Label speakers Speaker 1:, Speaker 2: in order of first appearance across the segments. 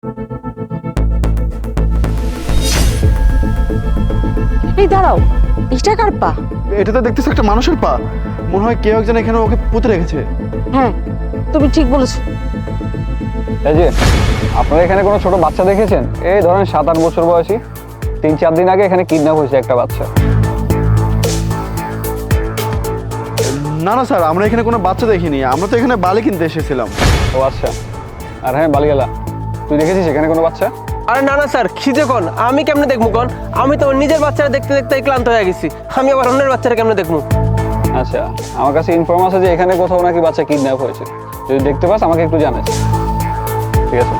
Speaker 1: এই দাঁড়াও, এটা কার পা?
Speaker 2: এটা তো দেখতেছ একটা মানুষের পা। মনে হয় কেউ একজন এখানে ওকে পুঁতে রেখেছে।
Speaker 1: হ্যাঁ, তুমি ঠিক বলেছো।
Speaker 3: এই যে আপনারা এখানে কোনো ছোট বাচ্চা দেখেছেন? এই ধরেন 7-8 বছর বয়সী। 3-4 দিন আগে এখানে কিডন্যাপ হয়েছে একটা বাচ্চা।
Speaker 2: না না স্যার, আমরা এখানে কোনো বাচ্চা দেখিনি, আমরা তো এখানে বালি কিনতে এসেছিলাম।
Speaker 3: ও আচ্ছা। আর হ্যাঁ বালিগালা, তুই দেখেছিস এখানে কোনো বাচ্চা?
Speaker 4: আরে না না স্যার, খিদে কোন আমি কেমনে দেখবো কোন? আমি তো নিজের বাচ্চারা দেখতে দেখতে ক্লান্ত হয়ে গেছি, আমি আবার অন্যের বাচ্চারা কেমনে দেখবো?
Speaker 3: আচ্ছা, আমার কাছে ইনফর্ম আছে যে এখানে কোথাও নাকি বাচ্চা কিডন্যাপ হয়েছে। যদি দেখতে পাস আমাকে একটু জানাস, ঠিক আছে?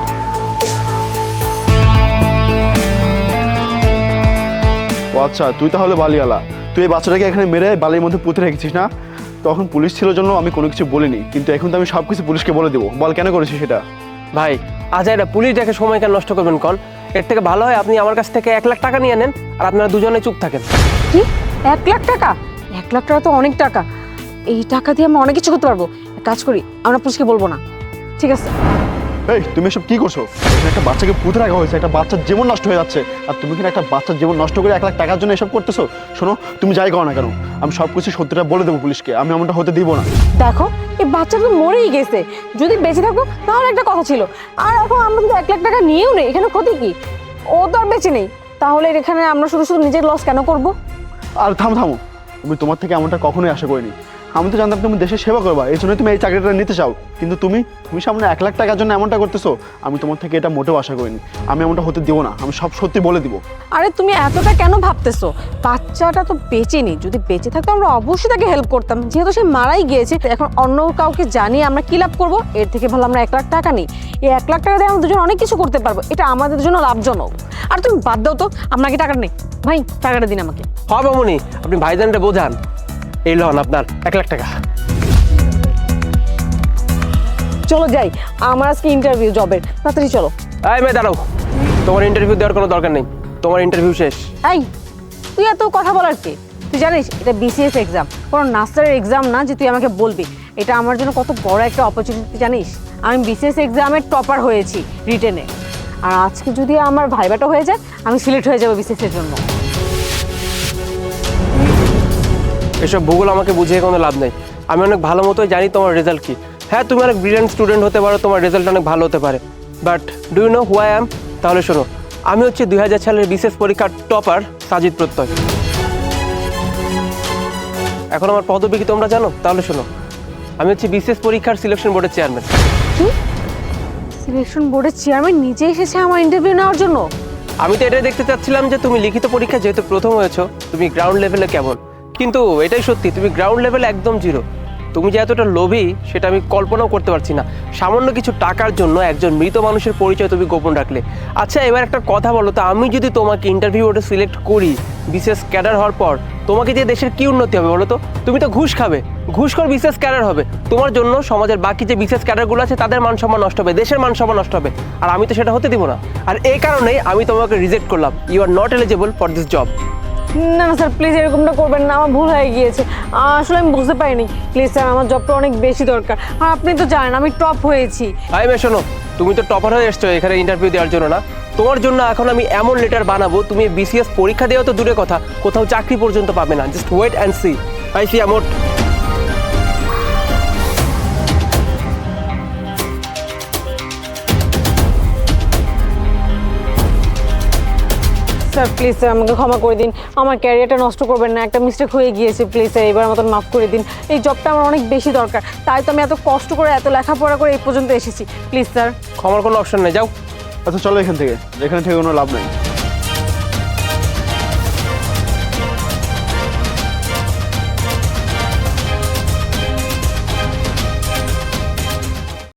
Speaker 2: ও আচ্ছা, তুই তাহলে বালিওয়ালা। তুই এই বাচ্চাটাকে এখানে মেরে বালির মধ্যে পুঁতে রেখেছিস না? তখন পুলিশ ছিল জন্য আমি কোনো কিছু বলিনি, কিন্তু এখন তো আমি সব কিছু পুলিশকে বলে দেবো। বল কেন করেছিস সেটা?
Speaker 4: ভাই আজ এটা পুলিশ দেখে সময় কেন নষ্ট করবেন কোন? এর থেকে ভালো হয় আপনি আমার কাছ থেকে 1 লাখ টাকা নিয়ে নেন, আর আপনারা দুজনে চুপ থাকেন।
Speaker 1: কি 1 লাখ টাকা? 1 লাখ টাকা তো অনেক টাকা। এই টাকা দিয়ে আমরা অনেক কিছু করতে পারবো। এক কাজ করি, আমরা পুলিশকে বলবো না, ঠিক আছে?
Speaker 2: এই তুমি এসব কি করছো? এখানে একটা বাচ্চাকে পুঁতে রাখা হয়েছে, একটা বাচ্চার জীবন নষ্ট হয়ে যাচ্ছে, আর তুমি কিনা একটা বাচ্চার জীবন নষ্ট করে 1 লাখ টাকার জন্য এসব করতেছো? শোনো, তুমি যাই করো না কেন, আমি সব কিছু সত্যিটা বলে দেবো পুলিশকে। আমি এমনটা হতে দিব না।
Speaker 1: দেখো, এই বাচ্চা তো মরেই গেছে। যদি বেঁচে থাকতো তাহলে একটা কথা ছিল। আর এখন আমরা তো 1 লাখ টাকা নিয়েও নেই, এখানে ক্ষতি কি? ও তো আর বেঁচে নেই, তাহলে এখানে আমরা শুধু শুধু নিজের লস কেন করবো?
Speaker 2: আর থামো থামো, আমি তোমার থেকে এমনটা কখনোই আশা করিনি। আমি তো জানতাম তুমি দেশের সেবা করবা, এই জন্যই তুমি এই চাকরিটা নিতে চাও, কিন্তু তুমি সামনে 1 লাখ টাকার জন্য এমনটা করতেছো। আমি তোমার থেকে এটা মোটেও আশা করিনি। আমি এমনটা হতে দিব না, আমি সব সত্যি বলে দিব।
Speaker 1: আরে তুমি এতটা কেন ভাবতেছো? বাচ্চাটা তো বেঁচে নেই, যদি বেঁচে থাকতো আমরা অবশ্যই তাকে হেল্প করতাম। যেহেতু সে মারাই গিয়েছে, এখন অন্য কাউকে জানিয়ে আমরা কি লাভ করবো? এর থেকে ভালো আমরা 1 লাখ টাকা নিই। এই 1 লাখ টাকা দিয়ে আমরা দুজন অনেক কিছু করতে পারবো, এটা আমাদের জন্য লাভজনক। আর তুমি বাদ দাও তো, আপনাকে টাকা নেই। ভাই টাকাটা দিন আমাকে।
Speaker 4: হবে মনি, আপনি ভাইজানটা বোঝান। এই লন আপনার 1 লাখ টাকা।
Speaker 1: চলো যাই, আমার আজকে ইন্টারভিউ জবের, তাড়াতাড়ি চলো।
Speaker 4: এই মেয়ে দাঁড়াও, তোমার ইন্টারভিউ দেওয়ার কোনো দরকার নেই, তোমার ইন্টারভিউ শেষ।
Speaker 1: এই তুই এত কথা বলার কে? তুই জানিস এটা বিসিএস এক্সাম, কোনো নার্সারের এক্সাম না যে তুই আমাকে বলবি। এটা আমার জন্য কত বড় একটা অপরচুনিটি জানিস? আমি বিসিএস এক্সামের টপার হয়েছি রিটেনে, আর আজকে যদি আমার ভাইবাটা হয়ে যায় আমি সিলেক্ট হয়ে যাবো বিসিএস এর জন্য।
Speaker 4: এসব ভূগোল আমাকে বুঝিয়ে কোনো লাভ নেই, আমি অনেক ভালো মতোই জানি তোমার রেজাল্ট কি। হ্যাঁ তুমি অনেক ব্রিলিয়েন্ট স্টুডেন্ট হতে পারো, তোমার রেজাল্ট অনেক ভালো হতে পারে, but do you know who I am? তাহলে শোনো, আমি হচ্ছে 2000 সালের বিসিএস পরীক্ষার টপার সাজিদ প্রত্যয়। এখন আমার পদবি কি তোমরা জানো? তাহলে শোনো, আমি হচ্ছে বিসিএস পরীক্ষার সিলেকশন বোর্ডের চেয়ারম্যান।
Speaker 1: কি সিলেকশন বোর্ডের চেয়ারম্যান নিজে এসেছে আমার ইন্টারভিউ নেওয়ার জন্য?
Speaker 4: আমি তো এটাই দেখতে চাচ্ছিলাম যে তুমি লিখিত পরীক্ষা যেহেতু প্রথম হয়েছো, তুমি গ্রাউন্ড লেভেলে কেমন। কিন্তু এটাই সত্যি, তুমি গ্রাউন্ড লেভেলে একদম জিরো। তুমি যে এতটা লোভী সেটা আমি কল্পনাও করতে পারছি না। সামান্য কিছু টাকার জন্য একজন মৃত মানুষের পরিচয় তুমি গোপন রাখলে। আচ্ছা এবার একটা কথা বলো তো, আমি যদি তোমাকে ইন্টারভিউ বোর্ডে সিলেক্ট করি বিশেষ ক্যাডার হওয়ার পর, তোমাকে দিয়ে দেশের কী উন্নতি হবে বলো তো? তুমি তো ঘুষ খাবে, ঘুষখোর বিশেষ ক্যাডার হবে। তোমার জন্য সমাজের বাকি যে বিশেষ ক্যাডারগুলো আছে তাদের মান সম্মান নষ্ট হবে, দেশের মান সম্মান নষ্ট হবে, আর আমি তো সেটা হতে দিব না। আর এই কারণেই আমি তোমাকে রিজেক্ট করলাম। You are not eligible for this job.
Speaker 1: না না স্যার, প্লিজ এরকমটা করবেন না, আমার ভুল হয়ে গিয়েছে। আসলে আমি বুঝতে পারিনি। প্লিজ স্যার, আমার জবটা অনেক বেশি দরকার, আর আপনি তো জানেন আমি টপ হয়েছি।
Speaker 4: আই মে শোনো, তুমি তো টপার হয়ে এসছো এখানে ইন্টারভিউ দেওয়ার জন্য না। তোমার জন্য এখন আমি এমন লেটার বানাবো, তুমি বিসিএস পরীক্ষা দেওয়া তো দূরের কথা, কোথাও চাকরি পর্যন্ত পাবে না। Just wait and see. I see আমোট।
Speaker 1: স্যার প্লিজ স্যার, আমাকে ক্ষমা করে দিন, আমার ক্যারিয়ারটা নষ্ট করবেন না, একটা মিস্টেক হয়ে গিয়েছে। প্লিজ স্যার, এবার মতন মাফ করে দিন। এই জবটা আমার অনেক বেশি দরকার, তাই তো আমি এত কষ্ট করে এত লেখাপড়া করে এই পর্যন্ত এসেছি। Please sir.
Speaker 4: ক্ষমার কোনো অপশন নেই, যাও।
Speaker 2: আচ্ছা চলো এখান থেকে, এখানে থেকে কোনো লাভ নাই।